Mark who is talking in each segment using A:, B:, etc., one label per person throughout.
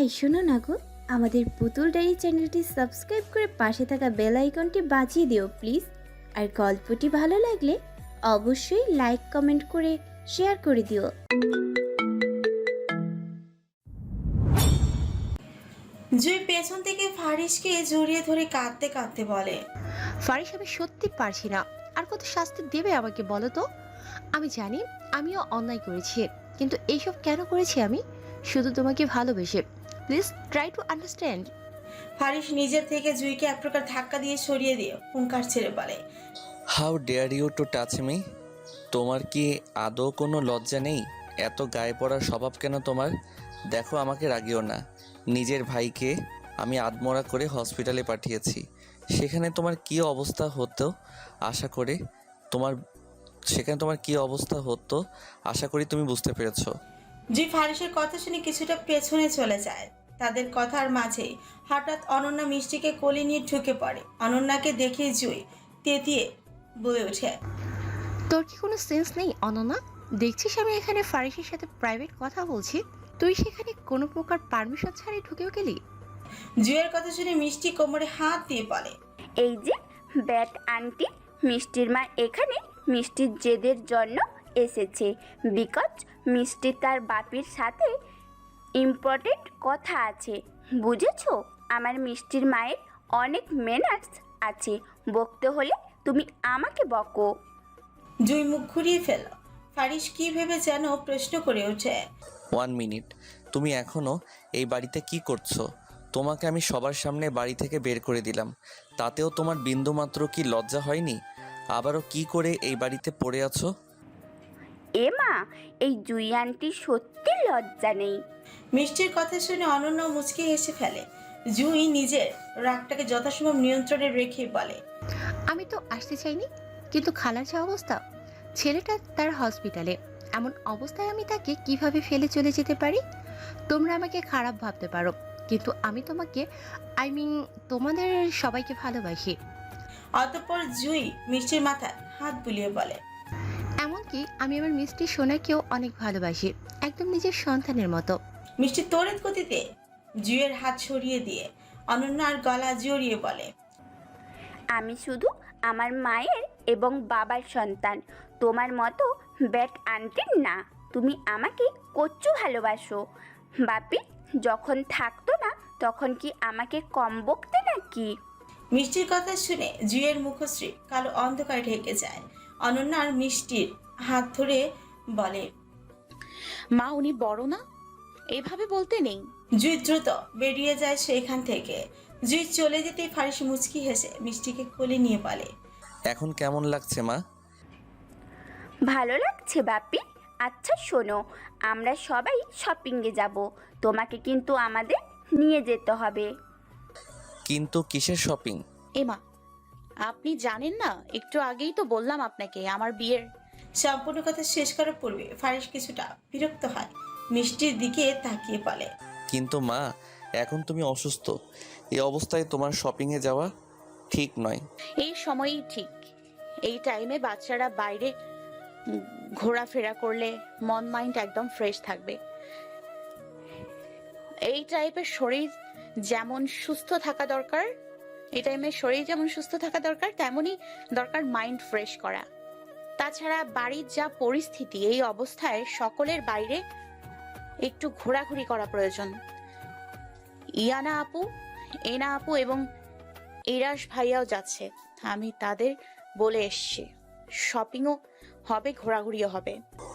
A: এই শোনো না গো, আমাদের পুতুল ডায়েরি চ্যানেলটি সাবস্ক্রাইব করে পাশে থাকা বেল আইকনটি বাজিয়ে দিও প্লিজ। আর গল্পটি ভালো লাগলে অবশ্যই লাইক কমেন্ট করে শেয়ার করে দিও।
B: জুই পেছন থেকে ফারিসকে জড়িয়ে ধরে কাঁদতে কাঁদতে বলে,
C: ফারিস আমি সত্যি পারছি না। আর কত শাস্তি দেবে আমাকে বলো তো? আমি জানি আমিও অন্যায় করেছি, কিন্তু এইসব কেন করেছি আমি? শুধু তোমাকে ভালোবেসে। Please try to understand.
B: Faris নিজের থেকে জুইকে এক প্রকার ধাক্কা দিয়ে সরিয়ে দিয়ে হুঙ্কার ছেড়ে বলে,
D: how dare you to touch me? তোমার কি আদৌ কোনো লজ্জা নেই? এত গায়ে পড়ার স্বভাব কেন তোমার? দেখো, আমাকে রাগিও না। নিজের ভাইকে আমি আদমরা করে হসপিটালে পাঠিয়েছি। সেখানে তোমার কি অবস্থা হতো আশা করে তোমার সেখানে তোমার কি অবস্থা হতো আশা করি তুমি বুঝতে পেরেছো।
B: জুই ফারিসের কথা শুনে কিছুটা পেছনে চলে যায়। তাদের কথার মাঝেই হঠাৎ অনন্যা মিষ্টিকে কোলে নিয়ে ঢুকে পড়ে। অনন্যাকে দেখে জুই তেতিয়ে বলে ওঠে,
C: তোর কি কোনো সেন্স নেই অনন্যা? দেখছিস আমি এখানে ফারিসের সাথে প্রাইভেট কথা বলছি, তুই সেখানে কোনো প্রকার পারমিশন ছাড়াই ঢুকেও গেলি?
B: জুইয়ের কথা শুনে মিষ্টি কোমরে হাত দিয়ে বলে,
E: এই যে ব্যাট আন্টি, মিষ্টির মা এখানে মিষ্টির জেদের জন্য এসেছে। বিকজ মিষ্টি তার বাপির সাথে ইম্পর্টেন্ট কথা আছে, বুঝেছো? আমার মিষ্টির মায়ের অনেক ম্যানার্স আছে, বকতে হলে তুমি আমাকে বকো।
B: জুই মুখ ঘুরিয়ে ফেল। ফারিস কি ভেবে যেন প্রশ্ন করে ওঠে,
D: 1 মিনিট, তুমি এখনো এই বাড়িতে কি করছো? তোমাকে আমি সবার সামনে বাড়ি থেকে বের করে দিলাম, তাতেও তোমার বিন্দুমাত্র কি লজ্জা হয়নি? আবারও কি করে এই বাড়িতে পড়ে আছো?
E: এ মা, এই জুই আন্টি সত্যি লজ্জা নেই।
B: মিষ্টির কথা শুনে অনন্য মুচকি হেসে ফেলে। জুই নিজের রাগটাকে যথাসম্ভব নিয়ন্ত্রণে রেখে বলে,
C: আমি তো আসতে চাইনি, কিন্তু খালার যা অবস্থা, ছেলেটা তার হসপিটালে, এমন অবস্থায় আমি তাকে কিভাবে ফেলে চলে যেতে পারি? তোমরা আমাকে খারাপ ভাবতে পারো, কিন্তু আমি তোমাকে তোমাদের সবাইকে ভালোবাসি।
B: অতঃপর জুই মিষ্টির মাথায় হাত বুলিয়ে বলে,
C: এমনকি আমি আমার মিষ্টি সোনাকেও অনেক ভালোবাসি, একদম নিজের সন্তানের মতো।
B: মিষ্টি তড়িৎ গতিতে জুইয়ের হাত সরিয়ে দিয়ে অনন্যার গলা জড়িয়ে বলে,
E: আমি শুধু আমার মায়ের এবং বাবার সন্তান, তোমার মতো ব্যাট আন্টির না। তুমি আমাকে কচ্ছু ভালোবাসো। বাপি যখন থাকতো না তখন কি আমাকে কম বকতে নাকি?
B: মিষ্টির কথা শুনে জুইয়ের মুখশ্রী কালো অন্ধকার ঢেকে যায়। অনন্যার মিষ্টির হাত ধরে বলে,
F: মা উনি বড় না, এভাবে বলতে নেই।
B: জুই দ্রুত বেরিয়ে যায় সেখান থেকে। জুই চলে যেতেই ফারিস মুচকি হেসে মিষ্টিকে কোলে নিয়ে বলে,
D: এখন কেমন লাগছে মা?
E: ভালো লাগছে বাপি। আচ্ছা শোনো, আমরা সবাই শপিংয়ে যাব, তোমাকে কিন্তু আমাদের নিয়ে যেতে হবে।
D: কিন্তু কিসের শপিং?
F: এমা, আপনি জানেন না, একটু আগেই তো বললাম আপনাকে আমার বিয়ের।
B: সম্পূর্ণ কথা শেষ করার পূর্বে ফারিস কিছুটা বিরক্ত হয়। মিষ্টির দিকে তাকিয়ে বলে,
D: কিন্তু মা, এখন তুমি অসুস্থ, এই অবস্থায় তোমার শপিংয়ে যাওয়া ঠিক নয়।
F: এই সময়ই ঠিক, এই টাইমে বাচ্চারা বাইরে ঘোরাফেরা করলে মন মাইন্ড একদম ফ্রেশ থাকবে। এই টাইপের শরীর যেমন সুস্থ থাকা দরকার, এই টাইমে শরীর যেমন সুস্থ থাকা দরকার, তেমনই দরকার মাইন্ড ফ্রেশ করা। তাছাড়া বাড়ির যা পরিস্থিতি, এই অবস্থায় সকলের বাইরে একটু ঘোরাঘুরি করা প্রয়োজন। ইয়ানা আপু, এনা আপু এবং ইরাশ ভাইয়াও যাচ্ছে, আমি তাদের বলে এসছি। শপিংও হবে, ঘোরাঘুরিও হবে।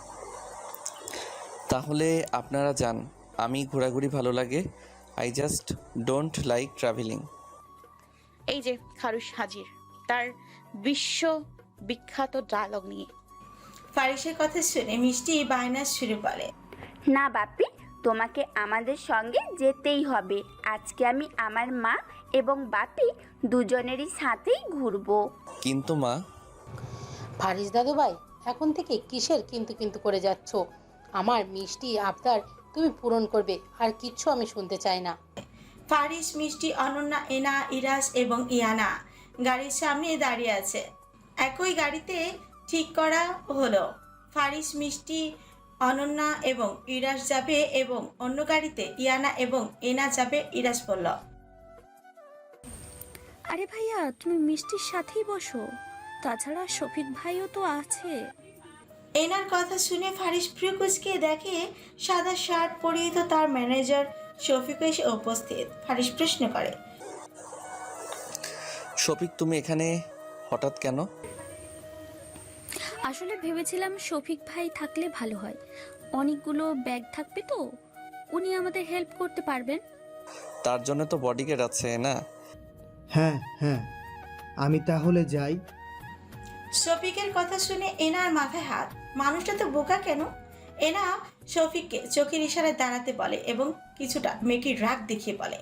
D: তাহলে আপনারা যান, আমি ঘোরাঘুরি ভালো লাগে। I just don't like travelling.
F: এই যে খারুশ হাজির তার বিশ্ব বিখ্যাত ডায়লগ নিয়ে।
B: ফারিসের কথা শুনে মিষ্টি বায়নার সুরে বলে,
E: না বাপি, তোমাকে আমাদের সঙ্গে যেতেই হবে। আজকে আমি আমার মা এবং বাপি দুজনেরই সাথেই ঘুরবো।
D: কিন্তু মা।
G: ফারিস দাদু ভাই, এখন থেকে কিসের কিন্তু কিন্তু করে যাচ্ছ? আমার মিষ্টি আবদার তুমি পূরণ করবে, আর কিচ্ছু আমি শুনতে চাই না।
B: ফারিস, মিষ্টি, অনন্যা, এনা, ইরাস এবং ইয়ানা গাড়ির সামনে দাঁড়িয়ে আছে। একই গাড়িতে ঠিক করা হলো। ফারিস মিষ্টি অনন্যা এবং ইরাস যাবে এবং অন্য গাড়িতে ইয়ানা এবং এনা যাবে। ইরাস বলল,
H: আরে ভাইয়া তুমি মিষ্টির সাথেই বসো, তাছাড়া শফিক ভাইও তো আছে।
B: এনার কথা শুনে ফারিস প্রিয় কুচকে দেখে সাদা শার্ট পরিহিত তার ম্যানেজার শফিক এসে উপস্থিত। ফারিস প্রশ্ন করে,
D: শফিক তুমি এখানে হঠাৎ কেন?
H: আসলে ভেবেছিলাম শফিক ভাই থাকলে ভালো হয়, অনেকগুলো ব্যাগ থাকবে তো, উনি আমাদের হেল্প করতে পারবেন।
D: তার জন্য তো বডিগার্ড আছে না?
I: হ্যাঁ হ্যাঁ, আমি তাহলে যাই।
B: শফিকের কথা শুনে এনার মাথায় হাত। মানুষটা তো বোকা কেন? এনা শফিককে চোখের ইশারায় দাঁড়াতে বলে এবং কিছুটা মেকির রাগ দেখিয়ে বলে,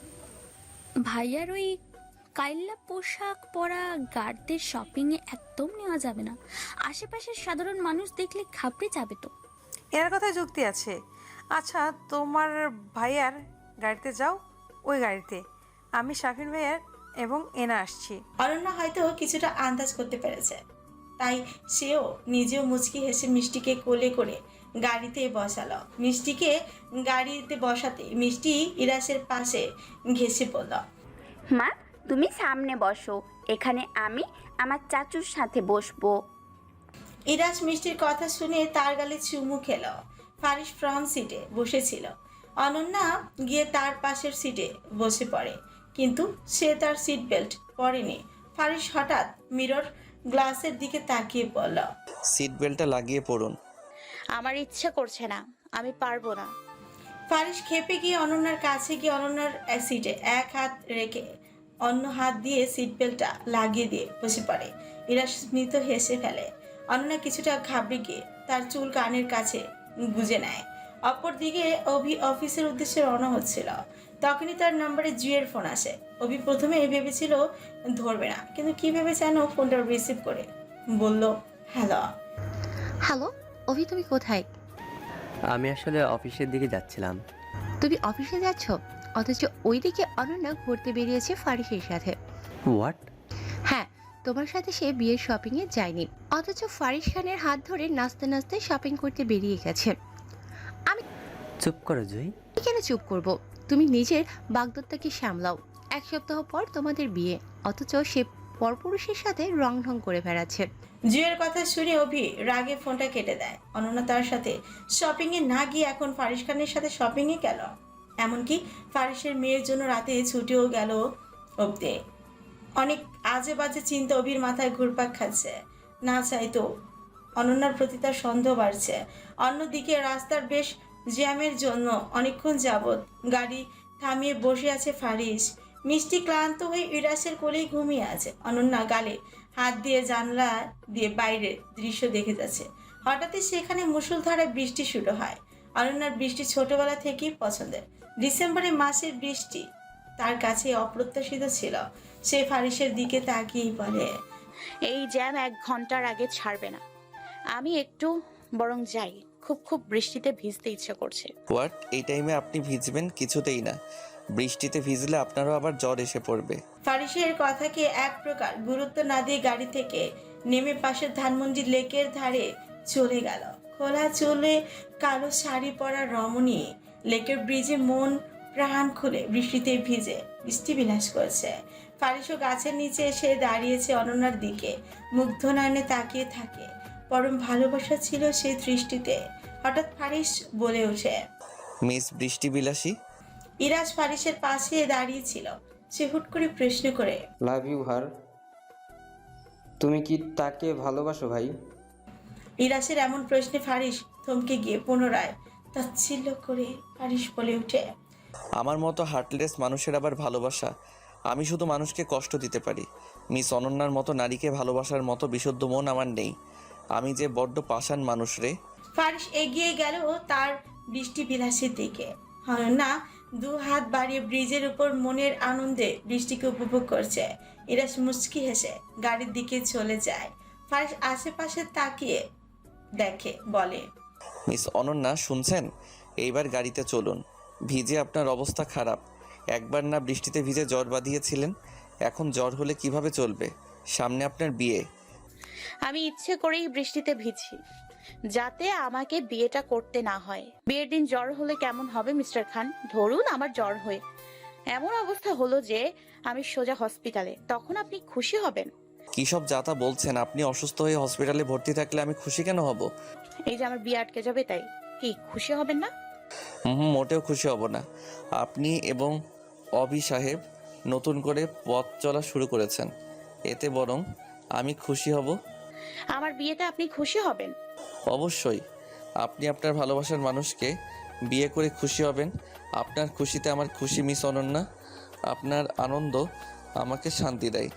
H: ভাইয়ার ওই কাইল্লা পোশাক পরা গার্ডদের শপিংয়ে একদম নেওয়া যাবে না, আশেপাশের সাধারণ মানুষ দেখলে ঘাবড়ে যাবে তো।
J: এর কথায় যুক্তি আছে। আচ্ছা তোমার ভাইয়ার গাড়িতে যাও, ওই গাড়িতে আমি শাফিন ভাইয়ার এবং এনা আসছি।
B: অনন্যা হয়তো কিছুটা আন্দাজ করতে পেরেছে, তাই সেও নিজেও মুচকি হেসে মিষ্টিকে কোলে করে গাড়িতে বসালো। মিষ্টিকে গাড়িতে বসাতে মিষ্টি ইরাসের পাশে ঘেঁষে পড়ল,
E: মা তুমি সামনে বসো, এখানে আমি আমার চাচুর সাথে বসবো।
B: ইরাস মিষ্টির কথা শুনে তার গালে চুমু খেল। ফারিস ফ্রন্ট সিটে বসেছিল, অনন্যা গিয়ে তার পাশের সিটে বসে পড়ে, কিন্তু সে তার সিট বেল্ট পরেনি। ফারিস হঠাৎ মিরর গ্লাসের দিকে তাকিয়ে বলল,
D: সিট বেল্টটা লাগিয়ে পড়ুন।
F: আমার ইচ্ছে করছে না, আমি পারবো না।
B: ফারিস খেপে গিয়ে অনন্যার কাছে গিয়ে অনন্যার সিটে এক হাত রেখে অন্য হাত দিয়ে সিট বেল্টটা লাগিয়ে দিয়ে বসে পড়ে। ইরাস স্মিত হেসে ফেলে। অনন্যা কিছুটা ঘাবড়ে গিয়ে তার চুল কানের কাছে গুজে নেয়। অপরদিকে অভি অফিসের উদ্দেশ্যে রওনা হচ্ছিল, তখনই তার নম্বরে জুয়ের ফোন আসে। অভি প্রথমে ভেবেছিল ধরবে না, কিন্তু কি ভেবে যেন ফোনটা রিসিভ করে বলল, হ্যালো।
C: হ্যালো অভি, তুমি কোথায়?
K: আমি আসলে অফিসের দিকে যাচ্ছিলাম।
C: তুমি অফিসে যাচ্ছ, অথচ ওইদিকে অনন্যা ঘুরতে বেরিয়েছে ফারিসের সাথে।
K: হোয়াট?
C: হ্যাঁ, তোমার সাথে সে বিয়ের শপিংয়ে যায়নি, অথচ ফারিস খানের হাত ধরে নাচতে নাচতে শপিং করতে বেরিয়ে গেছে।
K: চুপ করো জুই।
C: আমি কেন চুপ করব? তুমি নিজের বাগদত্তাকে সামলাও। এক সপ্তাহ পর তোমাদের বিয়ে, অথচ সে পরপুরুষের সাথে রং ঢং করে বেড়াচ্ছে।
B: জুয়ের কথা শুনে অভি রাগে ফোনটা কেটে দেয়। অনন্যা তার সাথে শপিংয়ে না গিয়ে এখন ফারিস খানের সাথে শপিংয়ে গেল, এমনকি ফারিসের মেয়ের জন্য রাতে ছুটিও গেল অব্দে। অনেক আজে বাজে চিন্তা অভির মাথায় ঘুরপাক খাচ্ছে। না চাইতো অনন্যার প্রতি তার সন্দেহ বাড়ছে। অন্যদিকে রাস্তার বেশ জ্যামের জন্য অনেকক্ষণ যাবৎ গাড়ি থামিয়ে বসে আছে ফারিস। মিষ্টি ক্লান্ত হয়ে ইরাসের কোলেই ঘুমিয়ে আছে। অনন্যা গালে হাত দিয়ে জানলা দিয়ে বাইরের দৃশ্য দেখে যাচ্ছে। হঠাৎই সেখানে মুষলধারায় বৃষ্টি শুরু হয়। অনন্যার বৃষ্টি ছোটবেলা থেকেই পছন্দের। ডিসেম্বরের মাসের বৃষ্টি তার কাছে অপ্রত্যাশিত ছিল। সে ফারিসের দিকে তাকিয়েই বলে,
F: এই জ্যাম 1 ঘন্টার আগে ছাড়বে না। আমি একটু বরং যাই, খুব খুব বৃষ্টিতে ভিজতে ইচ্ছে করছে।
D: হোয়াট? এই টাইমে আপনি ভিজবেন? কিছুতেই না, বৃষ্টিতে ভিজলে আপনারও আবার জ্বর এসে পড়বে।
B: ফারিসের কথাকে এক প্রকার গুরুত্ব না দিয়ে গাড়ি থেকে নেমে পাশের ধানমন্ডি লেকের ধারে চলে গেল। খোলা চুলে কালো শাড়ি পরা রমণী লেকের ব্রিজে মন প্রাণ খুলে বৃষ্টিতে ভিজে বৃষ্টি বিলাস করছে। ফারিসও গাছের নিচে এসে দাঁড়িয়েছে অনন্যার দিকে, মুগ্ধ নয়নে তাকিয়ে থাকে। পরম ভালোবাসা ছিল সেই দৃষ্টিতে। হঠাৎ ফারিস বলে ওঠে,
D: মিস বৃষ্টি বিলাসী।
B: ইরাজ ফারিসের পাশে দাঁড়িয়ে ছিল। সে হুট করে প্রশ্ন করে,
L: লাভ ইউ হার। তুমি কি তাকে ভালোবাসো ভাই?
B: ইরাসের এমন প্রশ্নে ফারিস থমকে গিয়ে পুনরায় তাচ্ছিল্য করে ফারিস বলে ওঠে,
D: আমার মতো হার্টলেস মানুষের আবার ভালোবাসা? আমি শুধু মানুষকে কষ্ট দিতে পারি। মিস অনন্যার মতো নারীকে ভালোবাসার মতো বিশুদ্ধ মন আমার নেই। আমি যে বড্ড পাষাণ মানুষ রে।
B: ফারিস এগিয়ে গেল তার বৃষ্টি বিলাসের দিকে। অনন্যা 2 হাত বাড়িয়ে ব্রিজের উপর মনের আনন্দে বৃষ্টিকে উপভোগ করছে। ইরাস মুচকি হেসে গাড়ির দিকে চলে যায়। ফারিস আশেপাশে তাকিয়ে দেখে, বলে,
D: মিস অনন্যা শুনছেন? এইবার গাড়িতে চলুন। ভিজে আপনার অবস্থা খারাপ। একবার না বৃষ্টিতে ভিজে জ্বর বাঁধিয়েছিলেন, এখন জ্বর হলে কিভাবে চলবে? সামনে আপনার বিয়ে।
F: আমি ইচ্ছে করেই বৃষ্টিতে ভিজছি, যাতে আমাকে বিয়েটা করতে না হয়। বিয়ের দিন জ্বর হলে কেমন হবে মিস্টার খান? ধরুন আমার জ্বর হয়ে এমন অবস্থা হলো যে আমি সোজা হসপিটালে, তখন আপনি খুশি হবেন?
D: কী সব যাতা বলছেন? আপনি অসুস্থ হয়ে হসপিটালে ভর্তি থাকলে আমি খুশি কেন হব?
F: এই যে আমার বিয়ে আটকে যাবে, তাই কি খুশি হবেন না?
D: মোটেও খুশি হব না। আপনি এবং অভি সাহেব নতুন করে পথ চলা শুরু করেছেন, এতে বরং আমি খুশি হব।
F: আমার বিয়েতে আপনি খুশি হবেন?
D: অবশ্যই। আপনি আপনার ভালোবাসার মানুষকে বিয়ে করে খুশি হবেন। আপনার খুশিতে আমার খুশি মিস অনন্যা। আপনার আনন্দ আমাকে শান্তি দেয়।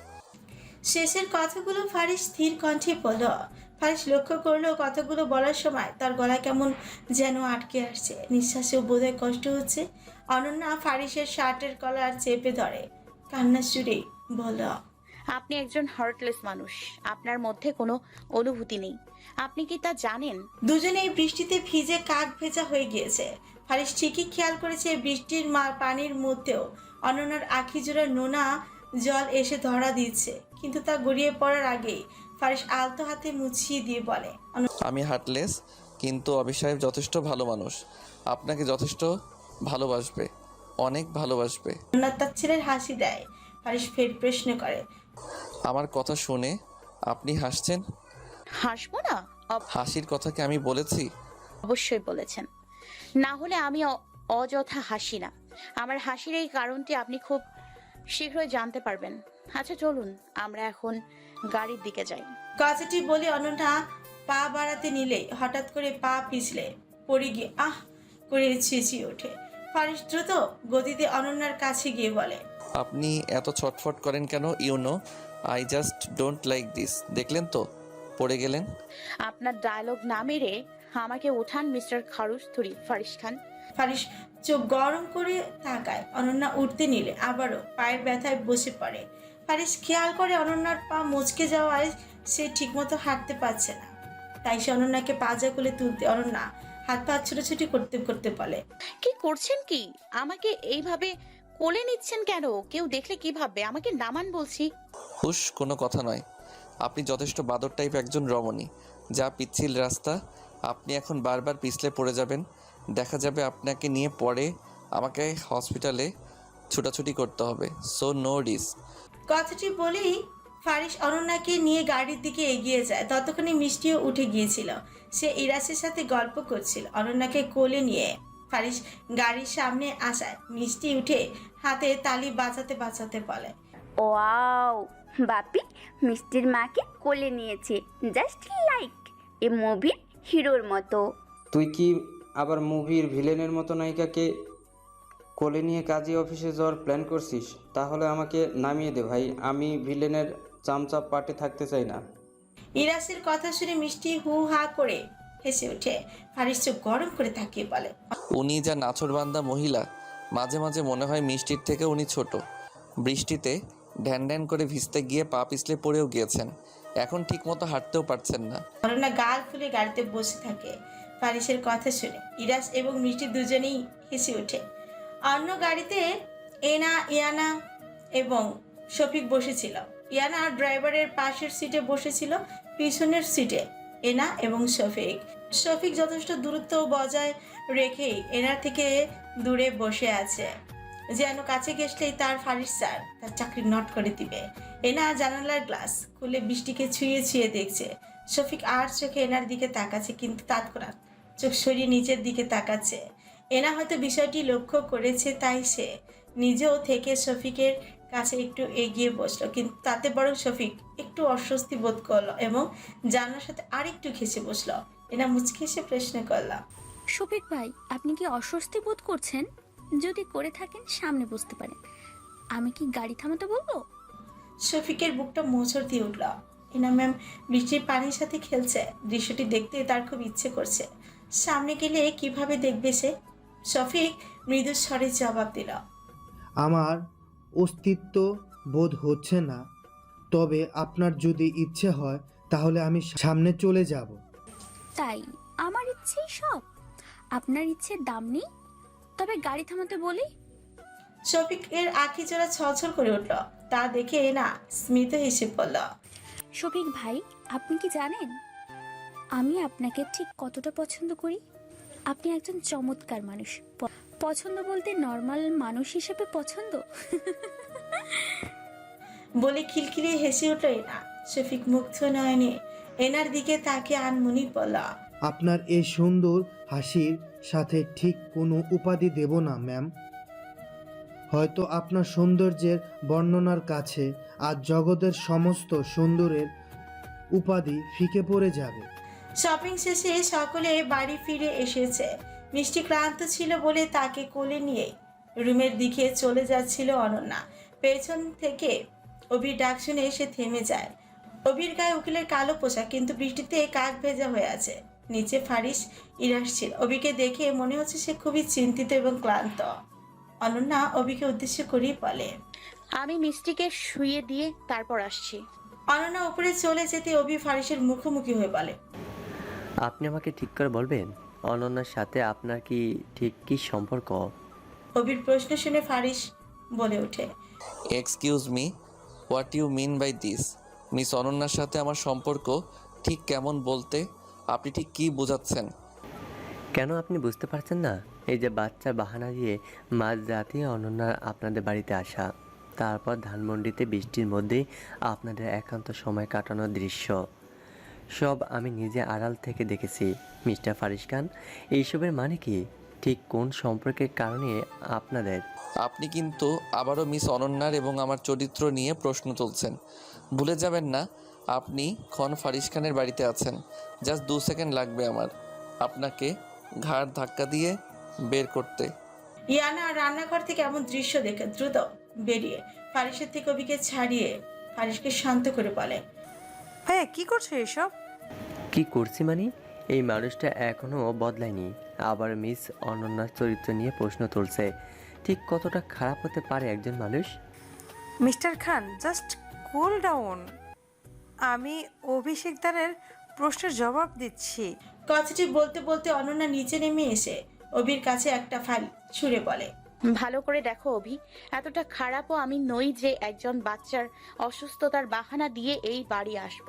B: শেষের কথাগুলো ফারিস স্থির কণ্ঠে বলল। ফারিস লক্ষ্য করলো কথাগুলো বলার সময় তার গলা কেমন যেন আটকে আসছে, নিঃশ্বাসেও বোধহয় কষ্ট হচ্ছে। অনন্যা ফারিসের শার্টের কলার চেপে ধরে কান্নার সুরে বলল,
F: আপনি একজন হার্টলেস মানুষ, আপনার মধ্যে কোনো অনুভূতি নেই। আপনি কি তা জানেন?
B: দুজনেই বৃষ্টিতে ভিজে কাক ভেজা হয়ে গিয়েছে। ফারিস ঠিকই খেয়াল করেছে বৃষ্টির পানির মধ্যেও অনন্যার আখি জোড়া নোনা জল এসে ধরা দিচ্ছে, কিন্তু তা গড়িয়ে পড়ার আগেই ফারিস আলতো হাতে মুছিয়ে দিয়ে বলে,
D: আমি হার্টলেস, কিন্তু অভি সাহেব যথেষ্ট ভালো মানুষ। আপনাকে যথেষ্ট ভালোবাসবে, অনেক ভালোবাসবে।
B: অনন্যা তার ছেলের হাসি দেয়। ফারিস ফের প্রশ্ন করে,
D: আমার কথা শুনে আপনি হাসছেন?
F: হাসবো না?
D: হাসির কথা কি আমি বলেছি?
F: অবশ্যই বলেছেন, না হলে আমি অযথা হাসি না। আমার হাসির এই কারণটি আপনি খুব শীঘ্রই জানতে পারবেন। আচ্ছা চলুন আমরা এখন গাড়ির দিকে যাই।
B: কথাটি বলে অনন্যা পা বাড়াতে নিলে হঠাৎ করে পা পিছলে পড়ে গিয়ে আহ করে চেঁচিয়ে ওঠে। ফারিস দ্রুত গতিতে অনন্যার কাছে গিয়ে বলে,
D: আপনি এত ছটফট করেন কেন? You know I just don't like this. দেখলেন তো পড়ে গেলেন।
F: আপনার ডায়লগ না মেরে আমাকে উঠান মিস্টার খারুস্থুরি ফারিস খান।
B: ফারিস চোখ গরম করে তাকায়। অনন্যা উঠতে নিলে আবারও পায়ের ব্যথায় বসে পড়ে। ফারিস খেয়াল করে অনন্যার পা মুচকে যাওয়ায় সে ঠিকমতো হাঁটতে পারছে না, তাই সে অনন্যাকে পাজা করে তুলতে অনন্যা হাত পা ছুটোছুটি করতে করতে বলে,
F: কি করছেন কি? আমাকে এইভাবে কোলে নিচ্ছেন কেন? কেউ দেখলে কি ভাববে? আমাকে নামান বলছি।
D: হুশ, কোনো কথা নয়। আপনি যথেষ্ট বাদর টাইপ একজন রমণী। যা পিচ্ছিল রাস্তা, আপনি এখন বারবার পিছলে পড়ে যাবেন। দেখা যাবে আপনাকে নিয়ে পরে আমাকে হসপিটালে ছুটাছুটি করতে হবে। So no risk.
B: কথাটি বলেই ফারিস অনন্যাকে নিয়ে গাড়ির দিকে এগিয়ে যায়। ততক্ষণে মিষ্টিও উঠে গিয়েছিল। সে ইরাসের সাথে গল্প করছিল। অনন্যাকে কোলে নিয়ে ফারিস গাড়ির সামনে আসায় মিষ্টি উঠে হাতে তালি বাজাতে বাজাতে বলে,
E: ওয়াও, বাপি মিষ্টির মাকে কোলে নিয়েছে, জাস্ট লাইক এ মুভির হিরোর মতো।
L: তুই কি আবার মুভির ভিলেনের মতো নায়িকাকে কোলে নিয়ে কাজী অফিসে যাওয়ার প্ল্যান করছিস? তাহলে আমাকে নামিয়ে দে ভাই, আমি ভিলেনের চামচা পার্টে থাকতে চাই না।
B: ইরাসের কথা শুনে মিষ্টি হু হা করে হেসে ওঠে। ফারিস চোখ গরম করে তাকিয়ে বলে,
D: উনি যা নাছোড়বান্দা মহিলা, মাঝে মাঝে মনে হয় মিষ্টির থেকে উনি ছোট। বৃষ্টিতে ঢ্যান ঢ্যান করে ভিজতে গিয়ে পা পিছলে পড়েও গিয়েছেন, এখন ঠিকমতো হাঁটতেও পারছেন না।
B: অনন্যা গাল ফুলে গাড়িতে বসে থাকে। ফারিসের কথা শুনে ইরাস এবং মিষ্টি দুজনেই হেসে ওঠে। অন্য গাড়িতে এনা, ইয়ানা এবং শফিক বসেছিল। ইয়ানা ড্রাইভারের পাশের সিটে বসেছিল, পিছনের সিটে এনা এবং শফিক। শফিক যথেষ্ট দূরত্ব বজায় রেখেই এনার থেকে দূরে বসে আছে, যেন কাছে ঘেসলেই তার ফারিস স্যার তার চাকরি নট করে দিবে। এনা জানালার গ্লাস খুলে বৃষ্টিকে ছুঁয়ে ছুঁয়ে দেখছে। শফিক আর চোখে এনার দিকে তাকাচ্ছে, কিন্তু তৎক্ষণাৎ চোখ সরিয়ে নিচের দিকে তাকাচ্ছে। এনা হয়তো বিষয়টি লক্ষ্য করেছে, তাই সে নিজেও থেকে শফিকের কাছে একটু এগিয়ে বসলো, কিন্তু তাতে বরং শফিক একটু অস্বস্তি বোধ করলো এবং জানার সাথে আরেকটু ঘেসে বসলো। এনা মুচকি এসে প্রশ্ন করলাম,
H: শফিক ভাই, আপনি কি অস্বস্তি বোধ করছেন? যদি করে থাকেন সামনে বসতে পারেন, আমি কি গাড়ি থামাতে বলবো?
B: শফিকের বুকটা মোচড় দিয়ে উঠল। এনা ম্যাম বৃষ্টির পানির সাথে খেলছে, দৃশ্যটি দেখতে তার খুব ইচ্ছে করছে। সামনে গেলে কিভাবে দেখবে সে? শফিক মৃদু স্বরে জবাব দিল,
I: আমার অস্তিত্ব বোধ হচ্ছে না, তবে আপনার যদি ইচ্ছে হয় তাহলে আমি সামনে চলে যাব।
H: তাই আমার ইচ্ছেই সব? আপনার ইচ্ছের দাম নেই? তবে গাড়ি থামাতে বলি।
B: শফিকের আঁখি জোড়া ছলছল করে উঠল। তা দেখে না স্মিত হেসে পড়ল,
H: শফিক ভাই, আপনি কি জানেন আমি আপনাকে ঠিক কতটা পছন্দ করি। আপনি একজন চমৎকার মানুষ। পছন্দ বলতে নর্মাল মানুষ হিসেবে পছন্দ।
B: বলে খিলখিলিয়ে হেসে উঠল এনা। শফিক মুগ্ধ নয়নে এনার দিকে তাকে আনমনি বলল,
I: আপনার এই সুন্দর হাসির সাথে ঠিক কোনো উপাধি দেব না ম্যাম। হয়তো আপনার সৌন্দর্যের বর্ণনার কাছে আজ জগতের সমস্ত সুন্দরের উপাধি ফিকে পড়ে যাবে।
B: শপিং শেষে সকলে বাড়ি ফিরে এসেছে। মিষ্টি ক্লান্ত ছিল বলে তাকে কোলে নিয়ে রুমের দিকে চলে যাচ্ছিল অনন্যা। পেছন থেকে অভির ডাক শুনে এসে থেমে যায়। অভির গায়ে উকিলের কালো পোশাক, কিন্তু বৃষ্টিতে কাক ভেজা হয়ে আছে। নিচে ফারিস ইরাস ছিল। অভিকে দেখে মনে হচ্ছে সে খুবই চিন্তিত এবং ক্লান্ত। অনন্যা অভিকে উদ্দেশ্য করেই বলে,
F: আমি মিষ্টিকে শুইয়ে দিয়ে তারপর আসছি।
B: অনন্যা উপরে চলে যেতে অভি ফারিসের মুখোমুখি হয়ে বলে,
K: আপনি আমাকে ঠিক করে বলবেন অনন্যার সাথে আপনার কি ঠিক কী সম্পর্ক?
B: অভির প্রশ্ন শুনে ফারিস বলে ওঠে,
D: excuse me, what you mean by this? Miss অনন্যার সাথে আমার সম্পর্ক ঠিক কেমন বলতে আপনি ঠিক কী বোঝাচ্ছেন?
K: কেন আপনি বুঝতে পারছেন না? এই যে বাচ্চার বাহানা দিয়ে মাঝরাতে অনন্যার আপনাদের বাড়িতে আসা, তারপর ধানমন্ডিতে বৃষ্টির মধ্যেই আপনাদের একান্ত সময় কাটানোর দৃশ্য, সব আমি নিজে আড়াল থেকে দেখেছি। মিস্টার ফারিস খান, এইসবের মানে কি? ঠিক কোন সম্পর্কের কারণে আপনাদের?
D: আপনি কিন্তু আবারও মিস অনন্যার এবং আমার চরিত্র নিয়ে প্রশ্ন তুলছেন। ভুলে যাবেন না আপনি খন ফারিস খানের বাড়িতে আছেন। জাস্ট 2 সেকেন্ড লাগবে আমার আপনাকে ঘাড় ধাক্কা দিয়ে বের করতে।
B: ইয়ানা রান্নাঘর থেকে এমন দৃশ্য দেখে দ্রুত বেরিয়ে ফারিসের থেকে অভিকে ছাড়িয়ে ফারিসকে শান্ত করে বলে,
J: ভাইয়া কি করছো এসব?
K: কি করছি মানে? এই মানুষটা এখনও বদলায়নি, আবার মিস অনন্যার চরিত্র নিয়ে প্রশ্ন তুলছে। ঠিক কতটা খারাপ হতে পারে একজন মানুষ?
J: Mister Khan, just cool down. আমি অভিষেকদারের প্রশ্নের জবাব দিচ্ছি।
B: কথাটি বলতে বলতে অনন্যা নিচে নেমে এসে অভির কাছে একটা ফাইল ছুঁড়ে বলে,
F: ভালো করে দেখো অভি, এতটা খারাপও আমি নই যে একজন বাচ্চার অসুস্থতার বাহানা দিয়ে এই বাড়ি আসব।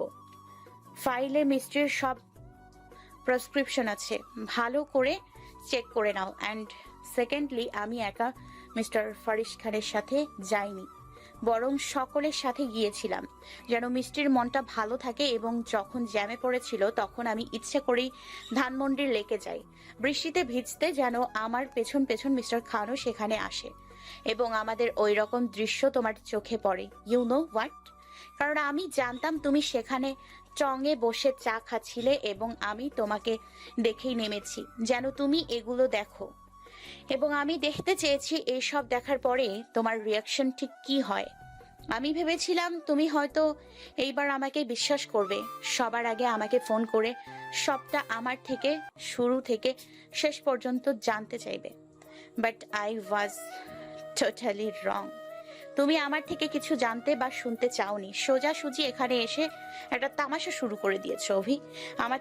F: ফাইলে মিষ্টির সব প্রেসক্রিপশন আছে, ভালো করে চেক করে নাও। অ্যান্ড সেকেন্ডলি, আমি একা মিস্টার ফারিস খানের সাথে যাইনি, বরং সকলের সাথে গিয়েছিলাম যেন মিষ্টির মনটা ভালো থাকে। এবং যখন জ্যামে পড়েছিল তখন আমি ইচ্ছে করেই ধানমন্ডির লেকে যাই বৃষ্টিতে ভিজতে, যেন আমার পেছন পেছন মিস্টার খানও সেখানে আসে এবং আমাদের ওই রকম দৃশ্য তোমার চোখে পড়ে। You know what? কারণ আমি জানতাম তুমি সেখানে টঙে বসে চা খাচ্ছিলে এবং আমি তোমাকে দেখেই নেমেছি যেন তুমি এগুলো দেখো। এবং আমি দেখতে চেয়েছি এইসব দেখার পরে তোমার রিয়াকশন ঠিক কি হয়। আমি ভেবেছিলাম তুমি হয়তো এইবার আমাকে বিশ্বাস করবে, সবার আগে আমাকে ফোন করে সবটা আমার থেকে শুরু থেকে শেষ পর্যন্ত জানতে চাইবে। But I was totally wrong. তুমি আমার থেকে কিছু জানতে বা শুনতে চাওনি, সোজাসুজি এখানে এসে একটা তামাশা শুরু করে দিয়েছো অভি। আমার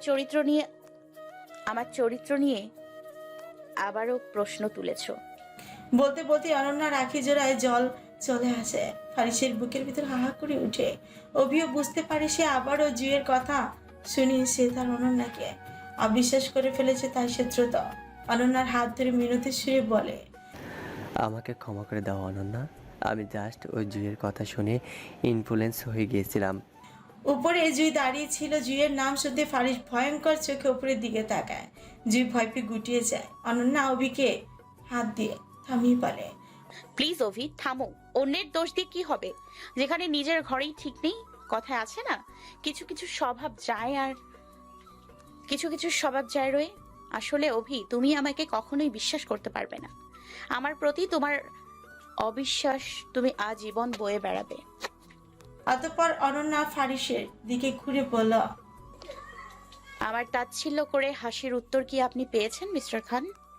F: চরিত্র নিয়ে আবারও প্রশ্ন তুলেছ।
B: বলতে বলতে অনন্যার আখি জোড়ায় জল চলে আসে। ফারিসের বুকের ভিতর হাহা করে উঠে। অভিও বুঝতে পারে সে আবারও জুয়ের কথা শুনে সে তার অনন্যাকে অবিশ্বাস করে ফেলেছে, তাই সে দ্রুত অনন্যার হাত ধরে মিনতি সুরে বলে,
K: আমাকে ক্ষমা করে দাও অনন্যা, আমি জাস্ট ওই জুয়ের কথা শুনে ইনফ্লুয়েন্স হয়ে গিয়েছিলাম।
B: উপরে জুই দাঁড়িয়ে ছিল। জুইয়ের নাম শুনতে ফারিস ভয়ঙ্কর চোখে উপরের দিকে তাকায়। জুই ভয় পেয়ে গুটিয়ে যায়। অনন্যা অভিকে হাত দিয়ে থামিয়ে বলে,
F: প্লিজ অভি থামো, অন্যের দোষ দিয়ে কি হবে যেখানে নিজের ঘরেই ঠিক নেই। কথায় আছে না, কিছু কিছু স্বভাব যায় আর কিছু কিছু স্বভাব যায় রয়ে। আসলে অভি, তুমি আমাকে কখনোই বিশ্বাস করতে পারবে না। আমার প্রতি তোমার অবিশ্বাস তুমি আজীবন বয়ে বেড়াবে।
B: অতঃপর অনন্যা ফারিসের দিকে ঘুরে বলল,
F: আমার তাচ্ছিল্য করে হাসির উত্তর কি আপনি পেয়েছেন মিস্টার খান?